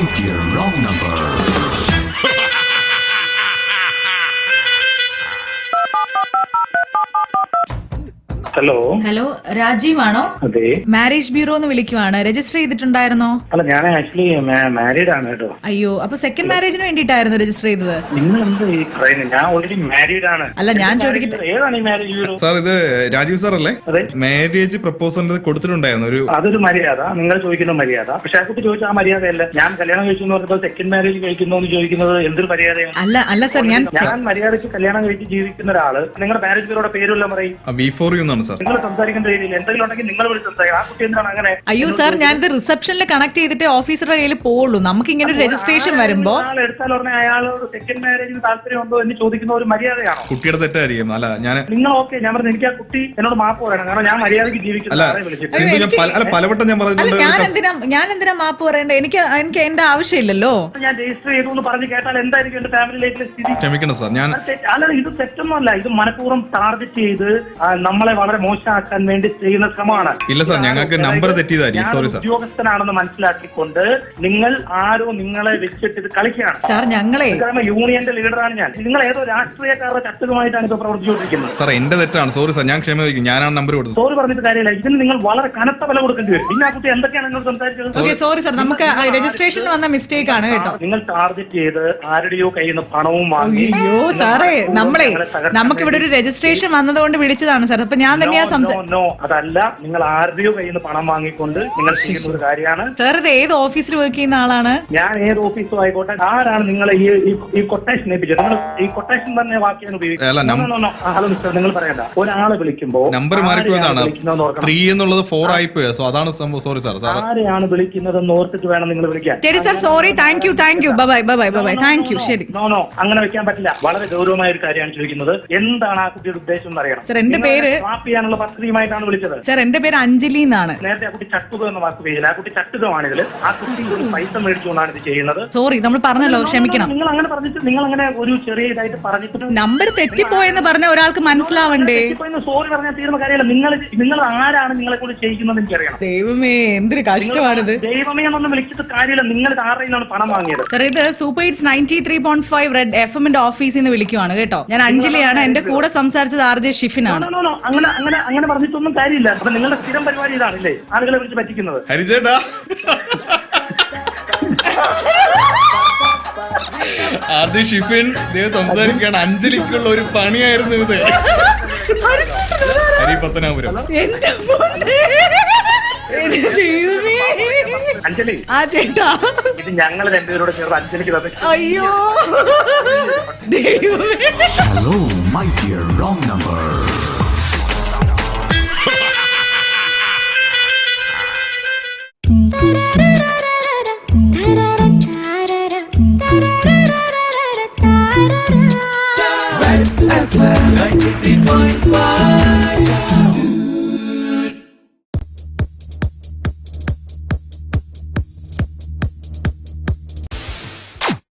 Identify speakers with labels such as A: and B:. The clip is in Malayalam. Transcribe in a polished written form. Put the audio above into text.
A: might be a wrong number.
B: Hello
C: hello, Rajeev ആണോ?
B: അതെ.
C: മാരേജ് ബ്യൂറോ എന്ന് വിളിക്കുവാണ്. രജിസ്റ്റർ ചെയ്തിട്ടുണ്ടായിരുന്നോ?
B: അല്ല, ഞാൻ ആക്ച്വലി മാരീഡ് ആണ് കേട്ടോ.
C: അയ്യോ, അപ്പൊ സെക്കൻഡ് മാരേജിന് വേണ്ടിയിട്ടായിരുന്നു രജിസ്റ്റർ ചെയ്തത്?
B: നിങ്ങൾ എന്ത് ഈ പറയുന്നത്? ഞാൻ ഓൾറെഡി മാരീഡ് ആണ്.
C: അല്ല, ഞാൻ ചോദിക്കട്ടെ.
B: ഏതാണ് ഈ മാരേജ് ബ്യൂറോ?
D: സാർ, ഇത് രാജീവ് സാർ അല്ലേ?
B: അതെ.
D: മാരേജ് പ്രപ്പോസൽ കൊടുത്തിട്ടുണ്ടായിരുന്നു ഒരു.
B: അതൊരു മര്യാദ, നിങ്ങൾ ചോദിക്കുന്ന മര്യാദ. പക്ഷെ ആ കുട്ടി ചോദിച്ച ആ മര്യാദയല്ല. ഞാൻ കല്യാണം കഴിച്ചു എന്ന് പറഞ്ഞപ്പോൾ സെക്കൻഡ് മാരേജ് കഴിക്കുന്നു എന്ന് ചോദിക്കുന്നത് എന്തൊരു മര്യാദയാണ്?
C: അല്ല സാർ, ഞാൻ
B: മര്യാദയ്ക്ക് കല്യാണം കഴിച്ച് ജീവിക്കുന്ന ഒരാള് നിങ്ങളുടെ മാരേജ് ബ്യൂറോയുടെ പേരുള്ള പറയും.
D: V4U എന്നാണ് സാർ.
B: നിങ്ങൾ സംസാരിക്കേണ്ട രീതിയിൽ എന്തെങ്കിലും ഉണ്ടെങ്കിൽ നിങ്ങൾ വിളിച്ച് സംസാരിക്കണം. ആ കുട്ടി എന്താണ് അങ്ങനെ?
C: അയ്യോ സാർ, ഞാനിത് റിസപ്ഷനിൽ കണക്ട് ചെയ്തിട്ട് ഓഫീസറുടെ കയ്യിൽ പോവുള്ളൂ. നമുക്ക് ഇങ്ങനെ ഒരു രജിസ്ട്രേഷൻ വരുമ്പോ
B: എടുത്താൽ ഉടനെ അയാളോട് സെക്കൻഡ് മാരേജിന് താല്പര്യമുണ്ടോ എന്ന് ചോദിക്കുന്ന ഒരു മര്യാദയാണോ?
D: കുട്ടിയുടെ തെറ്റായിരിക്കും. അല്ല, ഞാൻ
B: നിങ്ങൾ ഞാൻ പറഞ്ഞു, എനിക്ക് ആ കുട്ടി എന്നോട് മാപ്പ് പറയണം. കാരണം ഞാൻ മര്യാദയ്ക്ക് ജീവിക്കുന്ന
D: പലവട്ടം ഞാൻ പറഞ്ഞിട്ടുണ്ട്.
C: ഞാൻ എന്തിനാ മാപ്പ് പറയണ്ടേ? എനിക്ക് എന്റെ ആവശ്യമില്ലല്ലോ.
B: ഞാൻ രജിസ്റ്റർ ചെയ്തു എന്ന് പറഞ്ഞ് കേട്ടാൽ എന്തായിരിക്കും എന്റെ ഫാമിലി ലൈഫിലെ സ്ഥിതി?
D: ക്ഷമിക്കണം സാർ, ഞാൻ
B: അല്ല, ഇത് തെറ്റൊന്നുമല്ല. ഇത് മനഃപൂർവ്വം ടാർഗറ്റ് ചെയ്ത് നമ്മളെ വളരെ മോശമാക്കാൻ വേണ്ടി ചെയ്യുന്ന ശ്രമമാണ്.
D: ഇല്ല സാർ, ഞങ്ങൾക്ക് നമ്പർ തെറ്റിയതായിരിക്കും. Sorry sir.
B: ഉദ്യോഗസ്ഥനാണെന്ന് മനസ്സിലാക്കിക്കൊണ്ട് നിങ്ങൾ ആരോ നിങ്ങളെ വെച്ചിട്ട് ഇത് കളിക്കുകയാണ്
C: സാർ.
B: യൂണിയന്റെ ലീഡറാണ് ഞാൻ. നിങ്ങൾ ഏതോ രാഷ്ട്രീയക്കാരുടെ ചട്ടുകമായിട്ടാണ് ഇത് പ്രവർത്തിച്ചുകൊണ്ടിരിക്കുന്നത്.
D: സാർ, എന്റെ തെറ്റാണ്. സോറി സാർ, ഞാൻ ക്ഷമ ചോദിക്കും. ഞാനാണ് നമ്പർ കൊടുത്തത്.
B: സോറി പറഞ്ഞിട്ട് കാര്യമില്ല. ഇതിന് നിങ്ങൾ വളരെ കനത്ത വില കൊടുക്കേണ്ടി വരും. പിന്നെ ആ കുട്ടി എന്തൊക്കെയാണ് നിങ്ങൾ സംസാരിച്ചത്?
C: സോറി സാർ, നമുക്ക് രജിസ്ട്രേഷനിൽ വന്ന മിസ്റ്റേക്ക് ആണ് കേട്ടോ.
B: നിങ്ങൾ ടാർഗറ്റ് ചെയ്ത് ആരുടെയോ കയ്യിൽ നിന്ന് പണവും വാങ്ങി.
C: അയ്യോ സാറേ, നമുക്കിവിടെ ഒരു രജിസ്ട്രേഷൻ വന്നതുകൊണ്ട് വിളിച്ചതാണ് സാർ. അപ്പൊ ഞാൻ തന്നെയാ
B: അതല്ല, നിങ്ങൾ ആരുടെയോ കയ്യിൽ നിന്ന് പണം വാങ്ങിക്കൊണ്ട് നിങ്ങൾ ചെയ്യുന്ന ഒരു കാര്യമാണ്.
C: സാർ, ഇത് ഏത് ഓഫീസിൽ വർക്ക് ചെയ്യുന്ന ആളാണ്?
B: ഞാൻ ഏത് ഓഫീസും ആയിക്കോട്ടെ. ആരാണ് നിങ്ങളെ ഈ കൊട്ടേഷൻ ഏൽപ്പിച്ചത്? നിങ്ങൾ ഈ കൊട്ടേഷൻ തന്നെ വാക്കിയാണ് ഉപയോഗിക്കുന്നത്. ഹലോ മിസ്റ്റർ, നിങ്ങൾ പറയണ്ട. ഒരാളെ വിളിക്കുമ്പോ
D: നമ്പർ മാറിപ്പോയതാണ്. 3 എന്നുള്ളത് 4 ആയിപ്പോയ. സോ അതാണ് സംഭവം. Sorry sir.
B: ആരെയാണ് വിളിക്കുന്നതെന്ന് ഓർത്തിട്ട് വേണം നിങ്ങൾ വിളിക്കാൻ.
C: ശരി sir, sorry. Thank you. Bye. Thank you. ശരി.
B: നോ, അങ്ങനെ വെക്കാൻ പറ്റില്ല. വളരെ ഗൗരവമായ ഒരു കാര്യമാണ് ചോദിക്കുന്നത്. എന്താണ് ആ കുട്ടിയുടെ ഉദ്ദേശം എന്ന് അറിയണം.
C: സാർ, എന്റെ പേര്
B: സ്വാപ്പ് ചെയ്യാനുള്ള പദ്ധതിയുമായിട്ടാണ് വിളിച്ചത്.
C: സാർ, എന്റെ പേര് അഞ്ജലി എന്നാണ്.
B: നേരത്തെ ആ കുട്ടി ചട്ടുക എന്ന വാക്ക് പേരില്ല. ആ കുട്ടി ചട്ടുകമാണ് ഇതിൽ. ആ കുട്ടി ഒരു പൈസ മേടിച്ചുകൊണ്ടാണ് ഇത് ചെയ്യുന്നത്.
C: സോറി, നമ്മൾ പറഞ്ഞല്ലോ, ക്ഷമിക്കണം.
B: നിങ്ങൾ അങ്ങനെ പറഞ്ഞിട്ട് നിങ്ങൾ അങ്ങനെ ഒരു ചെറിയ ഇതായിട്ട് പറഞ്ഞിട്ട്
C: നമ്പർ തെറ്റിപ്പോയെന്ന് പറഞ്ഞ ഒരാൾക്ക് മനസ്സിലാവണ്ടേ?
B: സോറി പറഞ്ഞാൽ തീരുന്ന കാര്യമല്ല. നിങ്ങൾ ആരാണ് നിങ്ങളെ കൂടി ചെയ്യിക്കുന്നത് എനിക്കറിയണം.
C: ദൈവമേ, എന്തൊരു കഷ്ടമാണിത്.
B: ദൈവമേ എന്നൊന്നും വിളിച്ചിട്ട് കാര്യമില്ല. നിങ്ങൾ ആരുടെ നിന്നാണ് പണം വാങ്ങിയത്?
C: സാർ, ഇത് സൂപ്പർ ഹിറ്റ്സ് 93.5 റെഡ് FM ഓഫീസിൽ നിന്ന് വിളിക്കുവാണ് കേട്ടോ. ഞാൻ അഞ്ജലിയാണ്. എന്റെ കൂടെ സംസാരിച്ചത് RJ ഷിഫിനാണ്.
B: അങ്ങനെ പറഞ്ഞിട്ടൊന്നും കാര്യമില്ല. അപ്പൊ നിങ്ങളുടെ സ്ഥിരം പരിപാടി ഇതാണല്ലേ, ആളുകളെ വിളിച്ച് പറ്റിക്കുന്നത്?
D: ഹരിചേട്ടാ, RJ ഷിഫിൻ സംസാരിക്കുകയാണ്. അഞ്ജലിക്കുള്ള ഒരു പണിയായിരുന്നു ഇത്. ഹരിപത്തനാപുരം.
B: അഞ്ജലി,
C: ആ ചേട്ടാ,
B: ഇത് ഞങ്ങൾ രണ്ടുപേരോട് ചേർന്ന് അഞ്ജലിക്ക് തന്നെ.
C: അയ്യോ ദൈവമേ.
A: Hello, might be a wrong number. Red FM 93.5